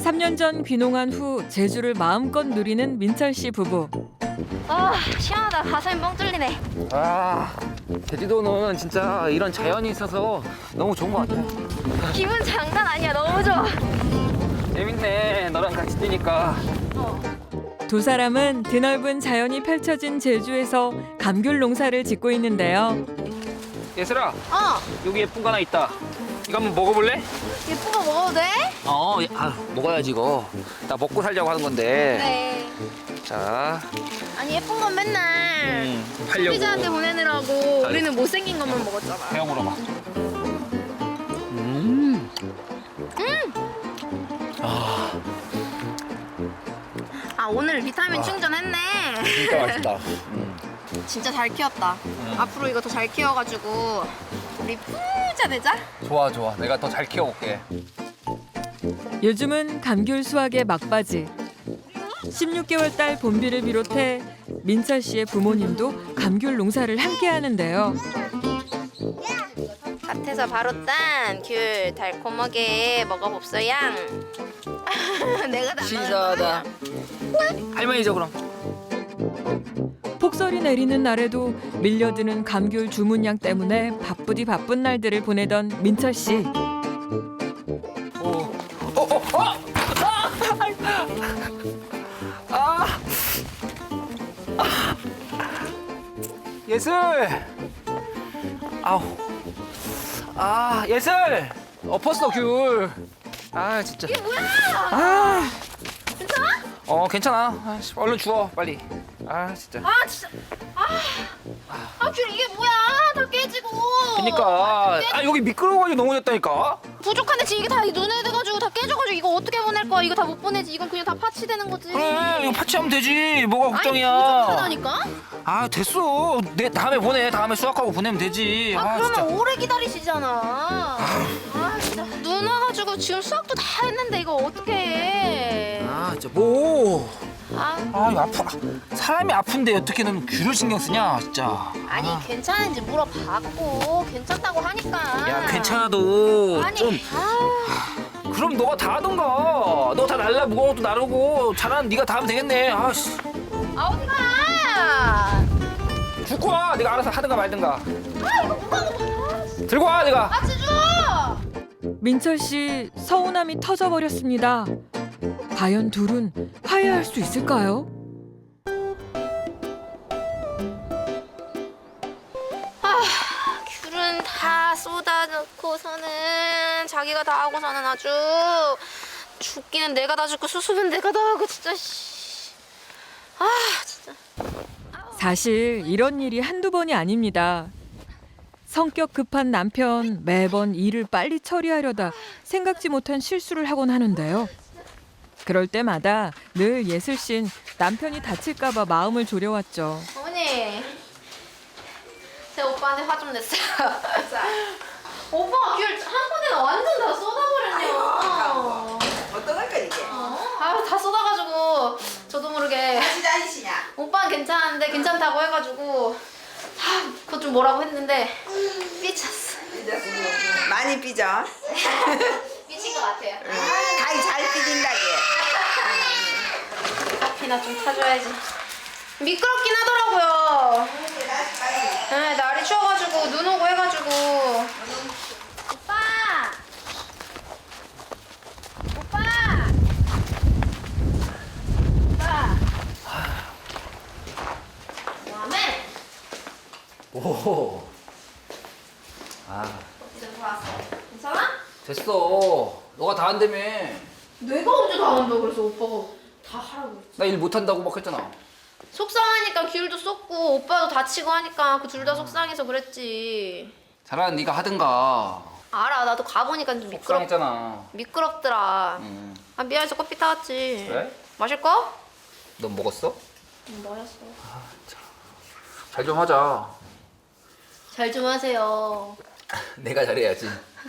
3년 전 귀농한 후 제주를 마음껏 누리는 민철 씨 부부. 아 시원하다. 가슴이 뻥 뚫리네. 아, 제주도는 진짜 이런 자연이 있어서 너무 좋은 것 같아. 기분 장난 아니야. 너무 좋아. 재밌네, 너랑 같이 뛰니까. 두 사람은 드넓은 자연이 펼쳐진 제주에서 감귤 농사를 짓고 있는데요. 예슬아, 여기 예쁜 거 하나 있다. 이거 한번 먹어볼래? 예쁜 거 먹어도 돼? 먹어야지 이거. 나 먹고 살려고 하는 건데. 네. 자, 아니 예쁜 건 맨날 팔려고. 소비자한테 보내느라고 우리는 못생긴 것만 먹었잖아. 태영 물어봐. 아 오늘 비타민 충전했네. 진짜 맛있다. 진짜 잘 키웠다. 앞으로 이거 더 잘 키워가지고 우리 부자 되자. 좋아, 좋아. 내가 더 잘 키워볼게. 요즘은 감귤 수확의 막바지. 16개월 딸 봄비를 비롯해 민철 씨의 부모님도 감귤 농사를 함께 하는데요. 밭에서 바로 딴 귤 달콤하게 먹어봅소양. 내가 다 신사하다. 할머니죠 그럼. 폭설이 내리는 날에도 밀려드는 감귤 주문량 때문에 바쁘디 바쁜 날들을 보내던 민철 씨. 예슬. 아우. 예슬. 엎었어 귤. 진짜. 이게 뭐야? 괜찮아? 괜찮아. 얼른 주워 빨리. 진짜. 진짜. 귤 이게 뭐야? 다 깨지고. 그러니까 여기 미끄러워가지고 넘어졌다니까. 부족한데 지금 이게 다 눈에 돼가지고 다 깨져가지고 이거 어떻게 보낼 거야? 이거 다 못 보내지. 이건 그냥 다 파치되는 거지. 그래, 이거 파치하면 되지. 뭐가 아니 걱정이야. 부족하다니까? 됐어. 내 다음에 보내. 다음에 수확하고 보내면 되지. 그러면 진짜. 오래 기다리시잖아. 진짜 눈 와가지고 지금 수학도 다 했는데 이거 어떻게 해? 진짜 뭐. 아, 이거 아파. 사람이 아픈데 어떻게 넌 귤을 신경 쓰냐, 진짜. 아니 괜찮은지 물어봤고 괜찮다고 하니까. 야, 괜찮아도 아니, 좀. 그럼 너가 다 하던가. 너 다 날라 무거운 것도 나르고 잘하는 네가 다 하면 되겠네. 씨. 어디가? 죽고 와. 네가 알아서 하든가 말든가. 이거 무거워. 들고 와, 네가. 줘. 민철 씨 서운함이 터져버렸습니다. 과연 둘은 화해할 수 있을까요? 귤은 다 쏟아놓고서는 자기가 다 하고서는 아주 죽기는 내가 다 죽고 수습은 내가 다 하고 진짜 진짜. 사실 이런 일이 한두 번이 아닙니다. 성격 급한 남편 매번 일을 빨리 처리하려다 생각지 못한 실수를 하곤 하는데요. 그럴 때마다 늘 예슬 씨는 남편이 다칠까 봐 마음을 졸여왔죠. 어머니, 제 오빠한테 화 좀 냈어요. 오빠가 귤 한 번에 완전 다 쏟아버렸네요. 어떤 걸까 이게? 다 쏟아가지고 저도 모르게 다시 다니시냐? 오빠는 괜찮은데 괜찮다고 해가지고 그거 좀 뭐라고 했는데 삐쳤어. 많이 삐져. 삐친 것 같아요. 가위 잘 삐진다게. 커피나 좀 타줘야지. 미끄럽긴 하더라고요. 네, 날이 추워가지고 눈 오고 해가지고. 오빠! 오빠! 오빠! 뭐하네? 오. 이제 돌아왔어. 괜찮아? 됐어. 너가 다 한다며. 내가 언제 다 한다고 그래서 오빠가 다 하라고 했지. 나 일 못한다고 막 했잖아. 속상하니까 귤도 쏟고 오빠도 다치고 하니까 그 둘 다 속상해서 그랬지. 잘하는 네가 하든가. 알아, 나도 가보니까 좀 속상했잖아. 미끄럽더라. 응. 미안해서 커피 타왔지. 그래? 마실 거? 넌 먹었어? 마셨어. 잘 좀 하자. 잘 좀 하세요. 내가 잘해야지.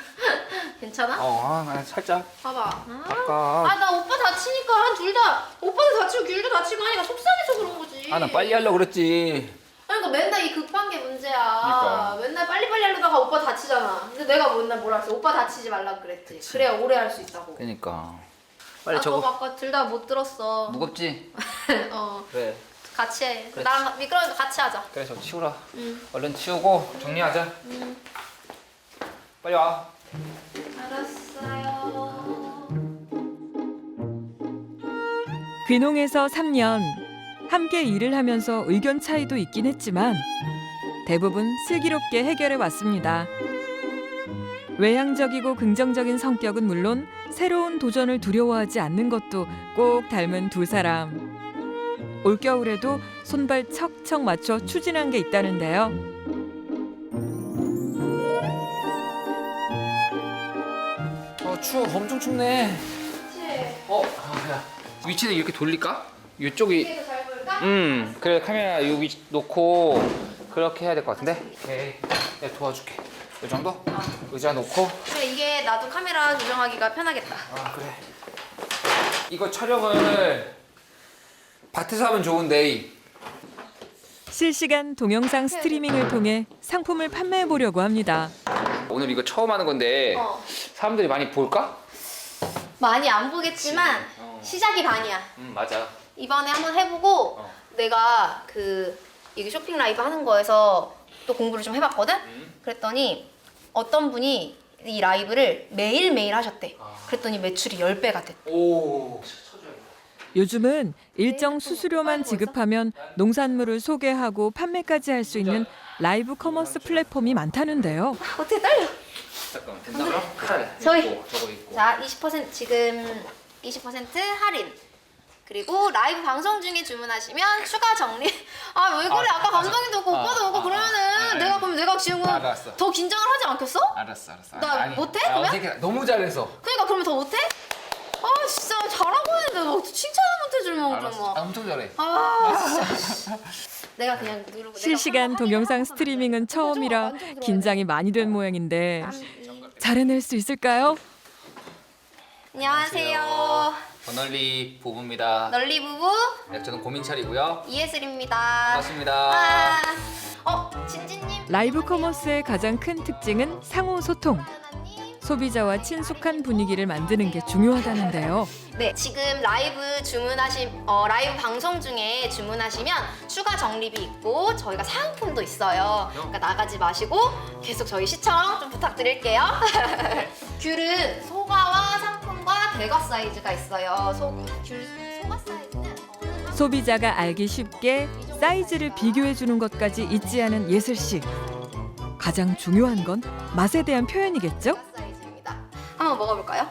괜찮아? 살짝. 봐봐. 아까. 나 오빠 다치니까 한 둘 다 오빠도 다치고 귤도 다치고 하니까 속상해서 그런 거지. 나 빨리 하려고 그랬지. 그러니까 맨날 이 급한 게 문제야. 그러니까. 맨날 빨리빨리 하려다가 오빠 다치잖아. 근데 내가 맨날 뭐라 했어? 오빠 다치지 말라고 그랬지. 그래야 오래 할 수 있다고. 그러니까. 빨리 저거 적어. 아까 둘 다 못 들었어. 무겁지? 어, 그래. 같이 해. 그래. 나랑 미끄러니까 같이 하자. 그래 저 치우라. 응. 얼른 치우고 정리하자. 빨리 와. 알았어요. 귀농해서 3년 함께 일을 하면서 의견 차이도 있긴 했지만 대부분 슬기롭게 해결해 왔습니다. 외향적이고 긍정적인 성격은 물론 새로운 도전을 두려워하지 않는 것도 꼭 닮은 두 사람. 올겨울에도 손발 척척 맞춰 추진한 게 있다는데요. 추워. 엄청 춥네. 그치? 야. 위치를 이렇게 돌릴까? 이쪽이. 이게 잘 보일까? 그래 카메라 여기 놓고 그렇게 해야 될 것 같은데. 오케이. 내가 도와줄게. 이 정도? 의자 놓고. 그래, 이게 나도 카메라 조정하기가 편하겠다. 그래. 이거 촬영을 밭에서 하면 좋은데. 실시간 동영상 스트리밍을 통해 상품을 판매해 보려고 합니다. 오늘 이거 처음 하는 건데 사람들이 많이 볼까? 많이 안 보겠지만 시작이 반이야. 맞아. 이번에 한번 해보고 내가 이게 쇼핑 라이브 하는 거에서 또 공부를 좀 해봤거든? 그랬더니 어떤 분이 이 라이브를 매일매일 하셨대. 그랬더니 매출이 10배가 됐대. 오. 요즘은 일정 수수료만 지급하면 농산물을 소개하고 판매까지 할 수 있는 라이브 커머스 플랫폼이 많다는데요. 어떻게 떨려? 잠깐만 된다 그럼? 칼 저기. 있고, 저거 있고. 자, 20% 지금 20% 할인. 그리고 라이브 방송 중에 주문하시면 추가 정리. 아, 왜 그래? 아까 감독님도 오고 오빠도 오고 그러면은 내가 지금 알았어. 더 긴장을 하지 않겠어? 알았어. 나 못해, 그러면? 어색해. 너무 잘해서. 그러니까 그러면 더 못해? 아, 진짜 잘하고 있는데 막 칭찬을 못 해주면 알았어. 막. 엄청 잘해. 아, 진짜. 내가 그냥 누르고. 실시간 동영상 스트리밍은 처음이라 긴장이 많이 된 모양인데 잘해낼 수 있을까요? 안녕하세요. 버널리 부부입니다. 널리 부부 네, 저는 고민철이고요. 이예슬입니다. 반갑습니다. 진진님. 라이브 커머스의 가장 큰 특징은 상호 소통. 소비자와 친숙한 분위기를 만드는 게 중요하다는데요. 네, 지금 라이브 라이브 방송 중에 주문하시면 추가 적립이 있고 저희가 사은품도 있어요. 그러니까 나가지 마시고 계속 저희 시청 좀 부탁드릴게요. 귤은 소가와 상품과 대가 사이즈가 있어요. 소가 사이즈는 소비자가 알기 쉽게 사이즈를 비교해 주는 것까지 잊지 않은 예슬 씨. 가장 중요한 건 맛에 대한 표현이겠죠? 사이즈입니다. 한번 먹어볼까요?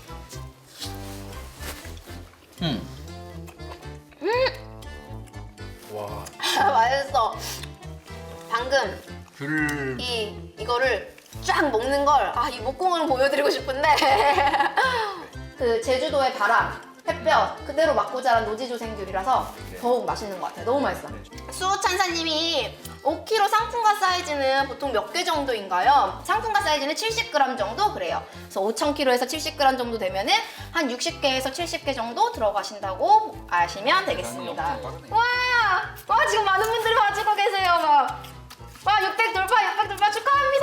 와. 맛있어. 방금 귤. 이거를 쫙 먹는 걸 이 목공을 보여드리고 싶은데 그 제주도의 바람, 햇볕 그대로 맞고 자란 노지조생귤이라서 더욱 맛있는 것 같아요. 너무 맛있어. 수호찬사님이 5kg 상품과 사이즈는 보통 몇 개 정도인가요? 상품과 사이즈는 70g 정도 그래요. 그래서 5,000kg에서 70g 정도 되면은 한 60개에서 70개 정도 들어가신다고 아시면 되겠습니다. 와, 지금 많은 분들이 봐주고 계세요. 와, 600 돌파 축하합니다.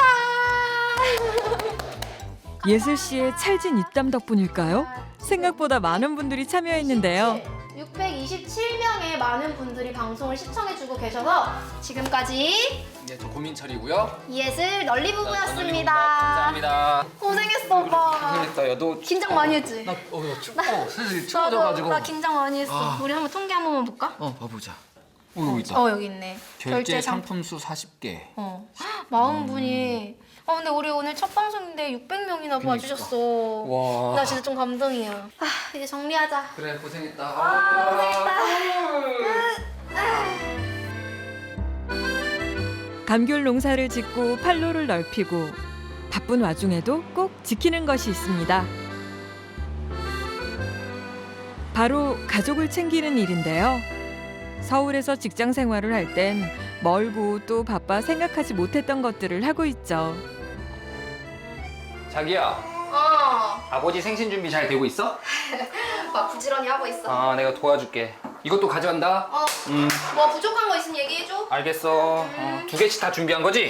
예슬 씨의 찰진 입담 덕분일까요? 생각보다 많은 분들이 참여했는데요. 627명의 많은 분들이 방송을 시청해주고 계셔서 지금까지 네, 저 고민철이고요. 이예슬 널리 부부였습니다. 감사합니다. 고생했어, 오빠. 그러니까 야너 긴장 많이 했지? 나 춥고 슬슬 추워져가지고. 나 긴장 많이 했어. 우리 한번 통계 한 번만 볼까? 봐보자. 여기 있다. 여기 있네. 결제 상품 수 40개. 40분이. 근데 우리 오늘 첫 방송인데 600명이나 봐주셨어. 와. 나 진짜 좀 감동이야. 이제 정리하자. 그래 고생했다. 감귤 농사를 짓고 판로를 넓히고 바쁜 와중에도 꼭 지키는 것이 있습니다. 바로 가족을 챙기는 일인데요. 서울에서 직장 생활을 할 땐 멀고 또 바빠 생각하지 못했던 것들을 하고 있죠. 자기야. 아버지 생신 준비 잘 되고 있어? 막 부지런히 하고 있어. 내가 도와줄게. 이것도 가져간다. 뭐 부족한 거 있으면 얘기해줘. 알겠어. 2개씩 다 준비한 거지?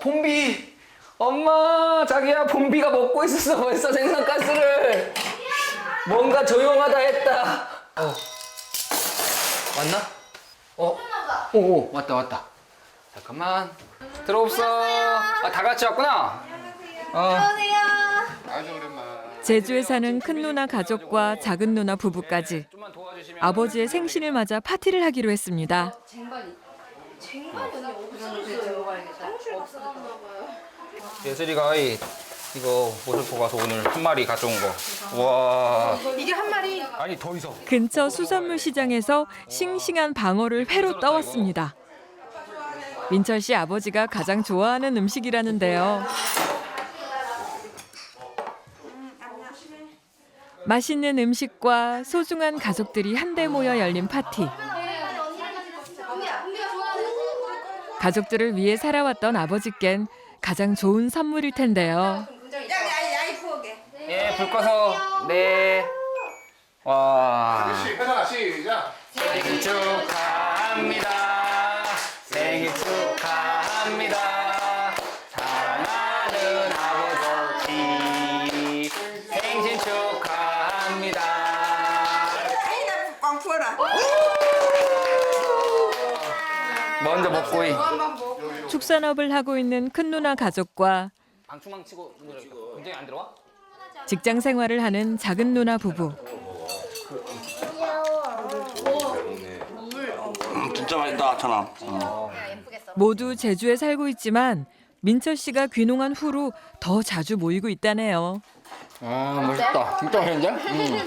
봄비. 엄마, 자기야 봄비가 먹고 있었어 벌써 생선가스를. 뭔가 조용하다 했다. 왔나? 오, 왔다. 잠깐만. 들어옵소. 아, 다 같이 왔구나. 제주에 사는 큰 누나 가족과 작은 누나 부부까지 좀만 도와주시면. 아버지의 생신을 맞아 파티를 하기로 했습니다. 예슬이가 이거 모슬포 가서 오늘 한 마리 가져온 거. 와. 이게 한 마리. 아니 더 있어. 근처 수산물 시장에서 싱싱한 방어를 회로 떠왔습니다. 민철 씨 아버지가 가장 좋아하는 음식이라는데요. 맛있는 음식과 소중한 가족들이 한데 모여 열린 파티. 가족들을 위해 살아왔던 아버지께는 가장 좋은 선물일 텐데요. 예, 불 꺼서. 네. 와. 회사 시작. 생일 축하합니다. 생일 축하합니다. 사랑하는 아버지. 생신 축하합니다. 꽝 풀어라. 먼저 먹고 축산업을 하고 있는 큰 누나 가족과 방충망 치고 굉장히 안 들어와? 직장 생활을 하는 작은 누나 부부. 진짜 맛있다, 천암. 모두 제주에 살고 있지만 민철 씨가 귀농한 후로 더 자주 모이고 있다네요. 아, 맛있다. 진짜 맛있는데?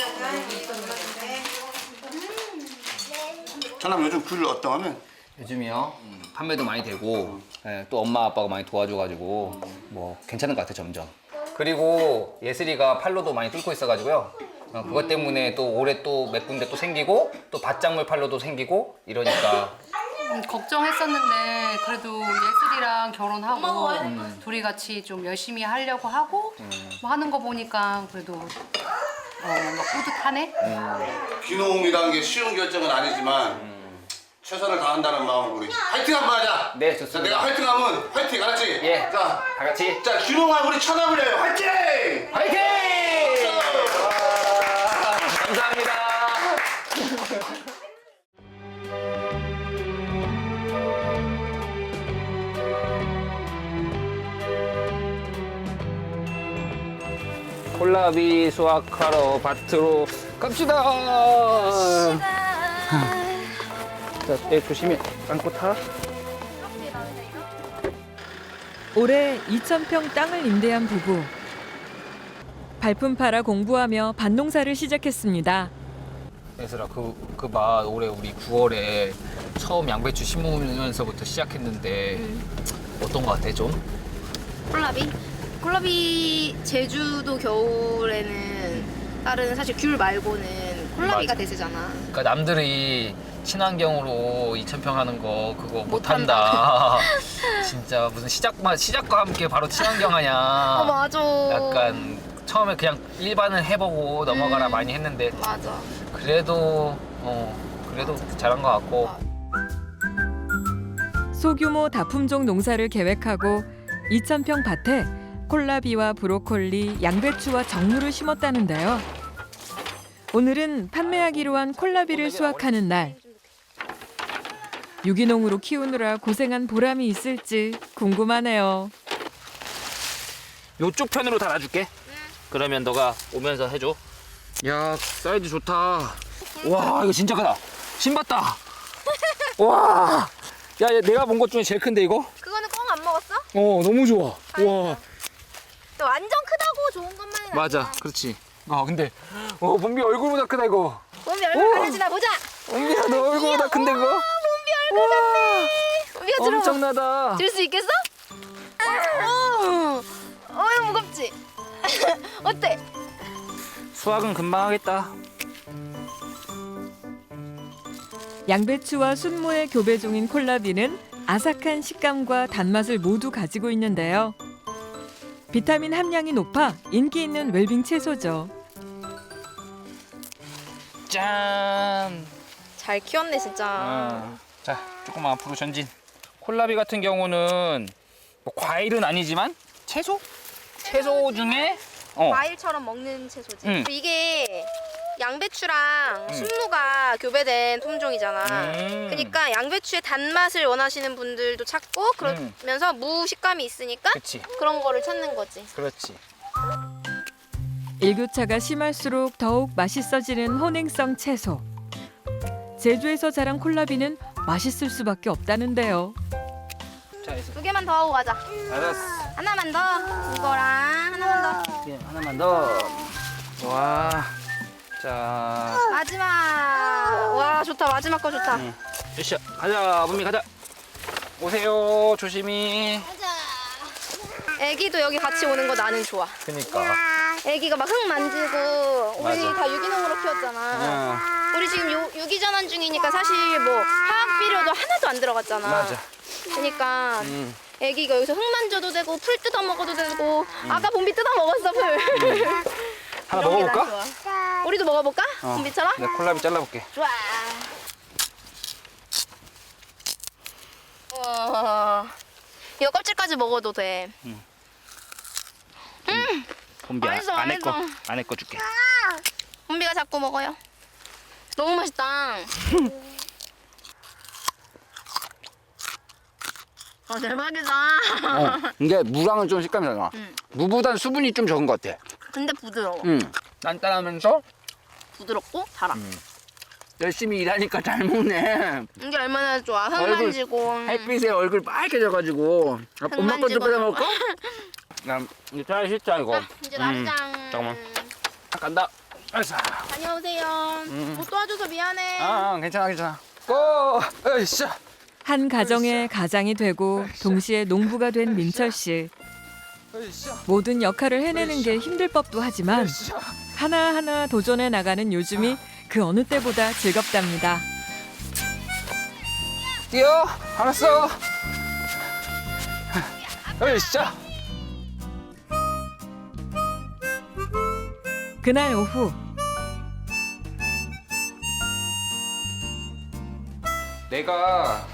천암 요즘 귤 어떠하면 요즘이요. 판매도 많이 되고 예, 또 엄마 아빠가 많이 도와줘가지고 뭐 괜찮은 것 같아 점점. 그리고 예슬이가 팔로도 많이 뚫고 있어가지고요. 그것 때문에 또 올해 또 몇 군데 또 생기고 또 밭작물 팔로도 생기고 이러니까 걱정했었는데 그래도 예슬이랑 결혼하고 둘이 같이 좀 열심히 하려고 하고 뭐 하는 거 보니까 그래도 막 뿌듯하네. 귀농이라는 게 쉬운 결정은 아니지만 최선을 다한다는 마음으로 우리 화이팅 한번 하자. 네, 자, 좋습니다. 내가 화이팅하면 화이팅, 알았지? 예. 자, 다 같이 자 귀농한 우리 천암을 위하여 화이팅! 화이팅! 와, 감사합니다. 콜라비 수확하러 밭으로 갑시다. 자, 내 조심히 안고 타. 올해 2,000평 땅을 임대한 부부. 발품 팔아 공부하며 밭농사를 시작했습니다. 예슬아, 그 맛 올해 우리 9월에 처음 양배추 심으면서부터 시작했는데 어떤 거 같아 좀? 콜라비 제주도 겨울에는 다른 사실 귤 말고는 콜라비가 맞아. 대세잖아. 그러니까 남들이 친환경으로 2,000평 하는 거 그거 못한다. 진짜 무슨 시작과 함께 바로 친환경 하냐. 맞아. 약간 처음에 그냥 일반을 해보고 넘어가라 많이 했는데 맞아. 그래도 잘한 것 같고. 소규모 다품종 농사를 계획하고 2,000평 밭에 콜라비와 브로콜리, 양배추와 정무를 심었다는데요. 오늘은 판매하기로 한 콜라비를 수확하는 날. 유기농으로 키우느라 고생한 보람이 있을지 궁금하네요. 요쪽 편으로 달아줄게. 그러면 너가 오면서 해줘. 야, 사이즈 좋다. 와, 이거 진짜 크다. 신봤다. 와, 야, 내가 본 것 중에 제일 큰데 이거? 그거는 꽁 안 먹었어? 너무 좋아. 와, 또 완전 크다고 좋은 것만은 맞아, 그렇지. 근데 범비 얼굴보다 크다 이거. 몸이 얼마나 가려지나 보자. 범비야, 너 얼굴보다 큰데 이거? 몸이 얼굴 같네. 몸이가 들어. 엄청나다. 들 수 있겠어? 이거 무겁지? 어때? 수확은 금방 하겠다. 양배추와 순무의 교배 중인 콜라비는 아삭한 식감과 단맛을 모두 가지고 있는데요. 비타민 함량이 높아 인기 있는 웰빙 채소죠. 짠. 잘 키웠네 진짜. 자, 조금만 앞으로 전진. 콜라비 같은 경우는 뭐 과일은 아니지만 채소 중에 과일처럼 먹는 채소지. 응. 이게 양배추랑 순무가 교배된 품종이잖아. 그러니까 양배추의 단맛을 원하시는 분들도 찾고 그러면서 무 식감이 있으니까 그치. 그런 거를 찾는 거지. 그렇지. 일교차가 심할수록 더욱 맛있어지는 혼행성 채소. 제주에서 자란 콜라비는 맛있을 수밖에 없다는데요. 자, 있어. 2개만 더 하고 가자. 알았어. 하나만 더. 이거랑 하나만 더. 예, 하나만 더. 와. 자. 마지막. 와 좋다. 마지막 거 좋다. 으쌰. 가자. 문미 가자. 오세요. 조심히. 애기도 여기 같이 오는 거 나는 좋아. 그니까. 애기가 막 흙 만지고 우리 맞아. 다 유기농으로 키웠잖아. 응. 우리 지금 유기전환 중이니까 사실 뭐 화학 비료도 하나도 안 들어갔잖아. 맞아. 그러니까 애기가 여기서 흙 만져도 되고 풀 뜯어 먹어도 되고 아까 봄비 뜯어 먹었어 풀. 하나 이런 게 먹어볼까? 난 좋아. 우리도 먹어볼까? 봄비처럼? 내가 콜라비 잘라볼게. 좋아. 이거 껍질까지 먹어도 돼. 봄비 맛있어, 안에 거, 맛있어. 안에 거 줄게. 봄비가 자꾸 먹어요. 너무 맛있다. 대박이다. 이게 무랑은 좀 식감이 달라. 무보단 수분이 좀 적은 것 같아. 근데 부드러워. 단단하면서 부드럽고 달아. 열심히 일하니까 잘 먹네. 이게 얼마나 좋아. 흙 얼굴 만지고. 햇빛에 얼굴 빨개져가지고. 엄마 것도 만지고. 빼다 먹을까? 난 이제 잘 씻자 이거. 이제 나리장. 잠깐만. 간다. 알았어. 다녀오세요. 못 도와줘서 미안해. 괜찮아 괜찮아. 고! 으쌰. 한 가정의 가장이 되고 동시에 농부가 된 민철 씨. 으쌰. 모든 역할을 해내는 게 힘들 법도 하지만 으쌰. 하나하나 도전해 나가는 요즘이 그 어느 때보다 즐겁답니다. 뛰어. 알았어. 으쌰. 그날 오후 내가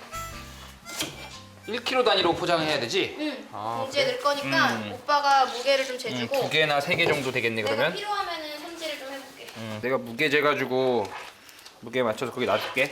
1kg 단위로 포장해야 되지? 응. 아, 봉지에 넣을 거니까 오빠가 무게를 좀 재주고. 2개나 3개 정도 되겠네 내가 그러면? 필요하면은 손질을 좀 해볼게. 내가 무게 재가지고 무게 맞춰서 거기 놔둘게.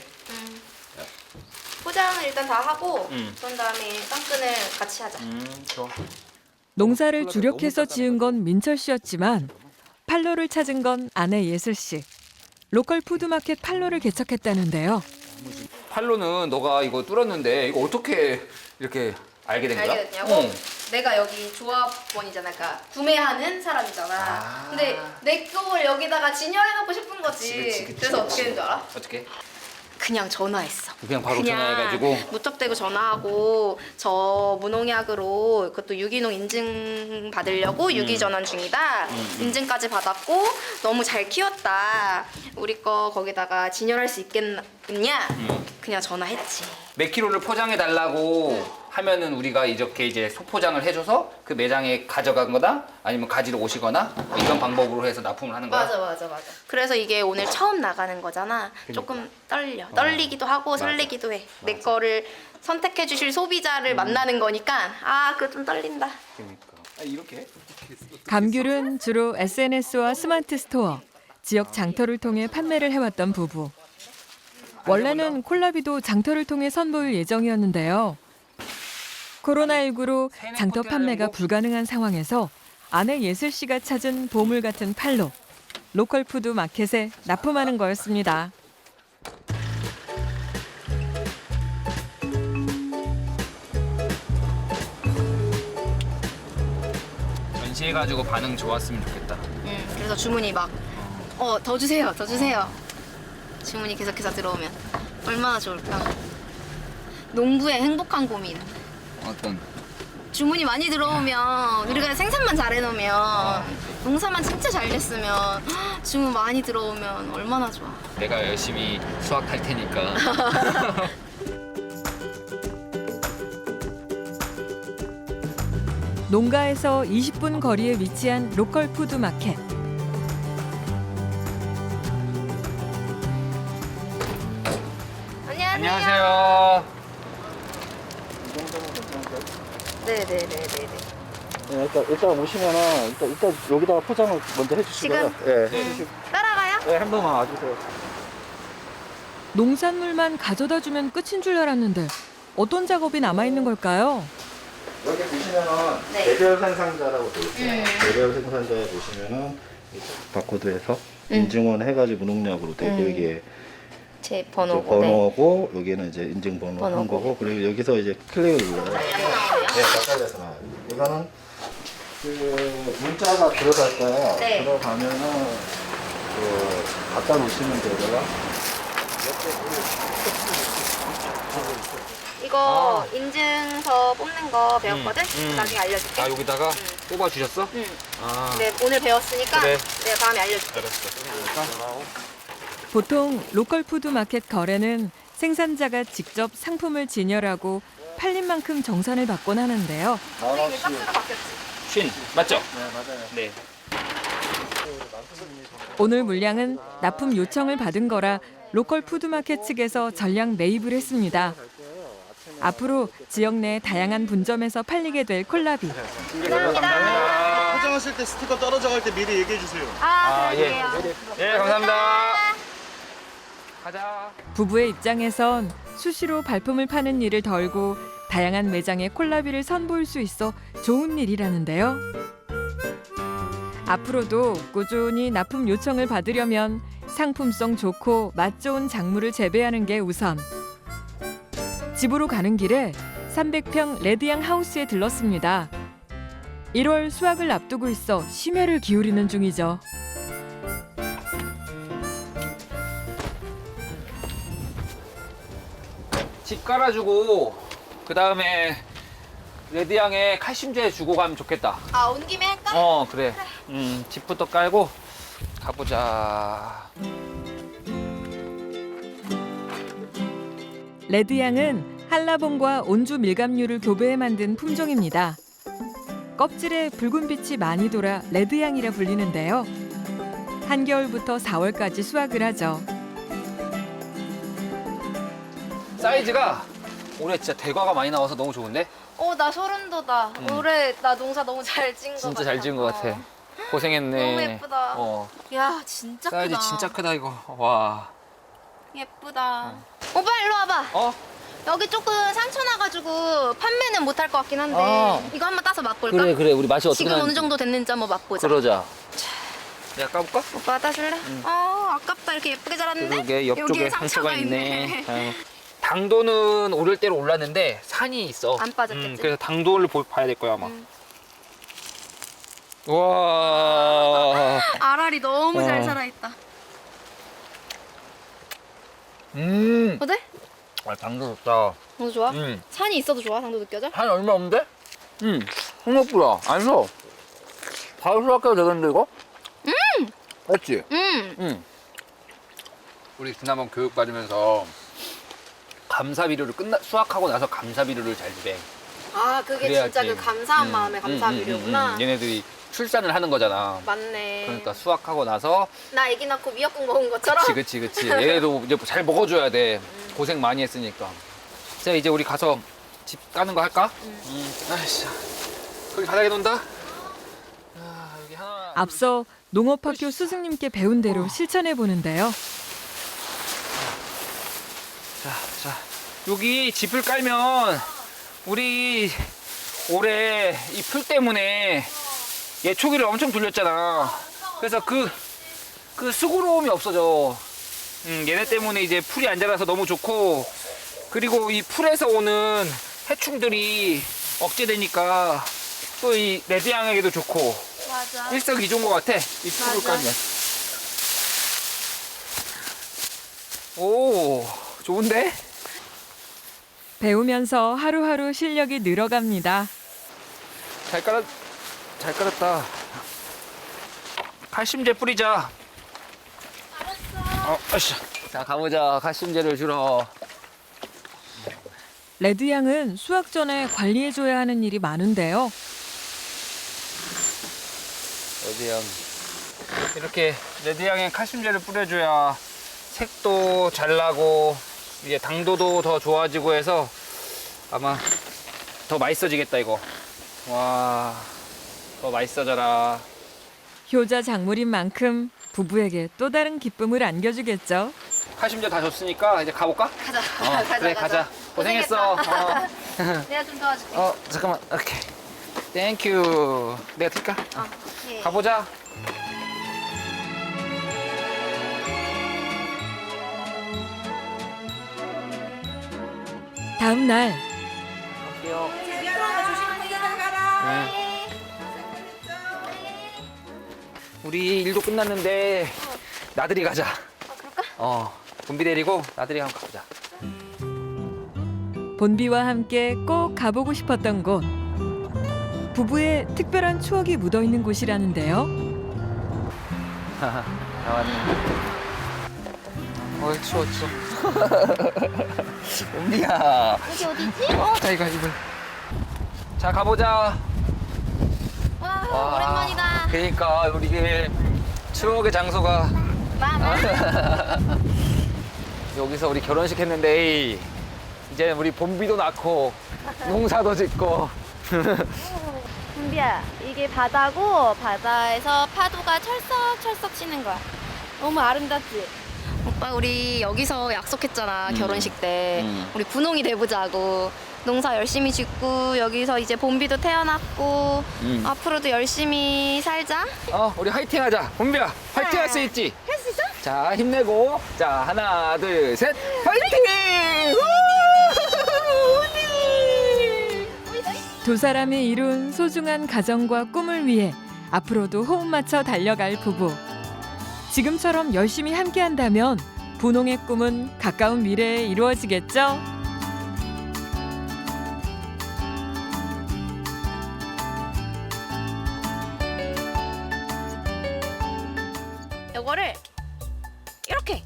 포장을 일단 다 하고 그런 다음에 깡끈을 같이 하자. 좋아. 농사를 주력해서 지은 건 민철 씨였지만 팔로를 찾은 건 아내 예슬 씨. 로컬 푸드마켓 팔로를 개척했다는데요. 팔로는 너가 이거 뚫었는데 이거 어떻게 이렇게 알게 된 거야? 알게 됐냐고? 내가 여기 조합원이잖아. 그러니까 구매하는 사람이잖아. 근데 내 걸 여기다가 진열해놓고 싶은 거지. 그래서 어떻게 된 줄 알아? 어떻게? 그냥 전화했어. 그냥 바로 전화해가지고? 무턱대고 전화하고 저 무농약으로 그것도 유기농 인증 받으려고 유기전환 중이다. 인증까지 받았고 너무 잘 키웠다. 우리 거 거기다가 진열할 수 있겠냐? 그냥 전화했지. 몇 킬로를 포장해 달라고 하면은 우리가 이렇게 이제 소포장을 해줘서 그 매장에 가져간 거다 아니면 가지러 오시거나 뭐 이런 방법으로 해서 납품을 하는 거야. 맞아. 그래서 이게 오늘 처음 나가는 거잖아. 조금 떨려. 떨리기도 하고 설레기도 해. 내 거를 선택해 주실 소비자를 만나는 거니까 그거 좀 떨린다. 그러니까. 이렇게? 감귤은 주로 SNS와 스마트 스토어, 지역 장터를 통해 판매를 해왔던 부부. 원래는 콜라비도 장터를 통해 선보일 예정이었는데요. 코로나19로 장터 판매가 불가능한 상황에서 아내 예슬 씨가 찾은 보물 같은 팔로 로컬 푸드 마켓에 납품하는 거였습니다. 전시해가지고 반응 좋았으면 좋겠다. 그래서 주문이 막 더 주세요. 더 주세요. 주문이 계속해서 들어오면 얼마나 좋을까. 농부의 행복한 고민. 어떤? 주문이 많이 들어오면 우리가 생산만 잘 해놓으면 농사만 진짜 잘 됐으면 주문 많이 들어오면 얼마나 좋아. 내가 열심히 수확할 테니까. 농가에서 20분 거리에 위치한 로컬 푸드 마켓. 안녕하세요. 네네네네네. 네, 일단 오시면은 일단 여기다가 포장을 먼저 해주시고요. 지금? 네. 따라가요? 네, 한 번만 와주세요. 농산물만 가져다 주면 끝인 줄 알았는데 어떤 작업이 남아있는 걸까요? 여기 보시면은 네. 개별 생산자라고 되어 있어요. 개별 생산자에 보시면은 이 바코드에서 인증원 해가지고 무농약으로 되고 여기에 제 이제 번호고. 네. 번호고 여기는 이제 인증 번호 한 번호고. 거고 그리고 여기서 이제 클릭을 눌러요. 나오네요. 네, 가까이에서 나와요. 이거는 그 문자가 들어갈 거예요. 네. 들어가면은 그 갖다 놓으시면 되고요. 이거 인증서 뽑는 거 배웠거든? 나중에 알려줄게. 아 여기다가 뽑아 주셨어? 응. 아 네, 오늘 배웠으니까 그래. 내가 다음에 알려줄게. 보통 로컬 푸드 마켓 거래는 생산자가 직접 상품을 진열하고 팔린 만큼 정산을 받곤 하는데요. 이게 박스로 바뀌었지. 쉰 맞죠? 네, 맞아요. 네. 오늘 물량은 납품 요청을 받은 거라 로컬 푸드마켓 측에서 전량 매입을 했습니다. 앞으로 지역 내 다양한 분점에서 팔리게 될 콜라비. 감사합니다. 포장하실 때 스티커 떨어져 갈 때 미리 얘기해 주세요. 아, 예. 그래요. 예 감사합니다. 가자. 부부의 입장에선 수시로 발품을 파는 일을 덜고 다양한 매장에 콜라비를 선보일 수 있어 좋은 일이라는데요. 앞으로도 꾸준히 납품 요청을 받으려면 상품성 좋고 맛 좋은 작물을 재배하는 게 우선. 집으로 가는 길에 300평 레드양 하우스에 들렀습니다. 1월 수확을 앞두고 있어 심혈을 기울이는 중이죠. 집 깔아주고 그 다음에 레드양에 칼슘제 주고 가면 좋겠다. 아, 온 김에 할까? 어 그래. 집부터 깔고 가보자. 레드양은 한라봉과 온주 밀감류를 교배해 만든 품종입니다. 껍질에 붉은 빛이 많이 돌아 레드양이라 불리는데요. 한겨울부터 4월까지 수확을 하죠. 사이즈가 올해 진짜 대과가 많이 나와서 너무 좋은데? 나 소름 돋아. 올해 나 농사 너무 잘 찐 거 같아. 진짜 잘 지은 것 같아. 고생했네. 너무 예쁘다. 어. 야, 진짜 사이즈 크다. 진짜 크다 이거. 와. 예쁘다. 오빠 일로 와봐. 어? 여기 조금 상처 나가지고 판매는 못할 것 같긴 한데 이거 한번 따서 맛볼까? 그래 우리 맛이 어떻게 지금 나는지 어느 정도 됐는지 한번 맛보자. 그러자. 내가 까볼까? 오빠가 따줄래? 아깝다. 이렇게 예쁘게 자랐는데? 그러게 옆쪽에 여기에 상처가 있네. 아유. 당도는 오를 대로 올랐는데 산이 있어. 안 빠졌겠지? 그래서 당도를 봐야 될 거야 아마. 와. 알알이 너무 잘 살아있다. 어때? 아, 당도 좋다. 너무 좋아? 음. 산이 있어도 좋아? 당도 느껴져? 한 얼마 없는데? 생각보다 안 써. 바로 수확해도 되겠는데 이거? 맞지? 우리 지난번 교육 받으면서 감사 비료를 수확하고 나서 감사 비료를 잘 주래. 아, 그게 그래야지. 진짜 그 감사한 마음에 감사 비료구나. 얘네들이 출산을 하는 거잖아. 맞네. 그러니까 수확하고 나서 나 애기 낳고 미역국 먹은 것처럼. 그치. 얘네도 이제 잘 먹어줘야 돼. 고생 많이 했으니까. 자 이제 우리 가서 집 까는 거 할까? 아이씨. 거기 바닥에 논다. 아, 여기 하나. 앞서 농업학교 스승님께 배운 대로 실천해 보는데요. 자, 여기 집을 깔면 우리 올해 이 풀 때문에 예초기를 엄청 돌렸잖아. 그래서 그 수고로움이 없어져. 얘네 때문에 이제 풀이 안 자라서 너무 좋고, 그리고 이 풀에서 오는 해충들이 억제되니까 또 이 레드양에게도 좋고 맞아. 일석이조인 것 같아. 이 풀을 맞아. 깔면. 오, 좋은데? 배우면서 하루하루 실력이 늘어갑니다. 잘 깔았다. 칼슘제 뿌리자. 알았어. 아씨. 자, 가보자. 칼슘제를 주러. 레드양은 수확 전에 관리해줘야 하는 일이 많은데요. 레드양. 이렇게 레드양에 칼슘제를 뿌려줘야 색도 잘 나고 이제 당도도 더 좋아지고 해서 아마 더 맛있어지겠다 이거. 와. 더 맛있어져라. 효자 작물인 만큼 부부에게 또 다른 기쁨을 안겨주겠죠. 칼슘제 다 줬으니까 이제 가볼까? 가자. 그래 가자. 고생했어. 내가 좀 도와줄게. 잠깐만. 오케이. 땡큐. 내가 들까? 예. 가보자. 다음 날 갈게요. 네. 우리 일도 끝났는데 나들이 가자. 그럴까? 본비 데리고 나들이 한번 가보자. 본비와 함께 꼭 가보고 싶었던 곳. 부부의 특별한 추억이 묻어있는 곳이라는데요. 나왔네. 추워. 본비야. 여기 어디지? 자 이거. 자 가보자. 와, 오랜만이다. 그러니까 우리 게 추억의 장소가 여기서 우리 결혼식 했는데 이제 우리 본비도 낳고 농사도 짓고. 준비야, 이게 바다고 바다에서 파도가 철썩철썩 치는 거야. 너무 아름답지? 오빠 우리 여기서 약속했잖아 결혼식 때 우리 분홍이 돼보자고. 농사 열심히 짓고 여기서 이제 본비도 태어났고 앞으로도 열심히 살자. 우리 화이팅 하자. 본비야 화이팅 할 수 있지? 할 수 있어? 자 힘내고. 자 하나 둘 셋 화이팅! 두 사람이 이룬 소중한 가정과 꿈을 위해 앞으로도 호흡 맞춰 달려갈 부부. 지금처럼 열심히 함께한다면 분홍의 꿈은 가까운 미래에 이루어지겠죠? 요거를 이렇게.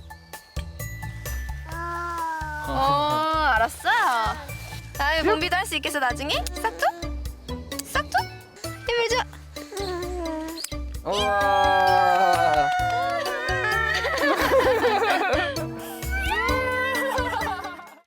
알았어. 다음에 본비도 할 수 있겠어 나중에? 싹둑?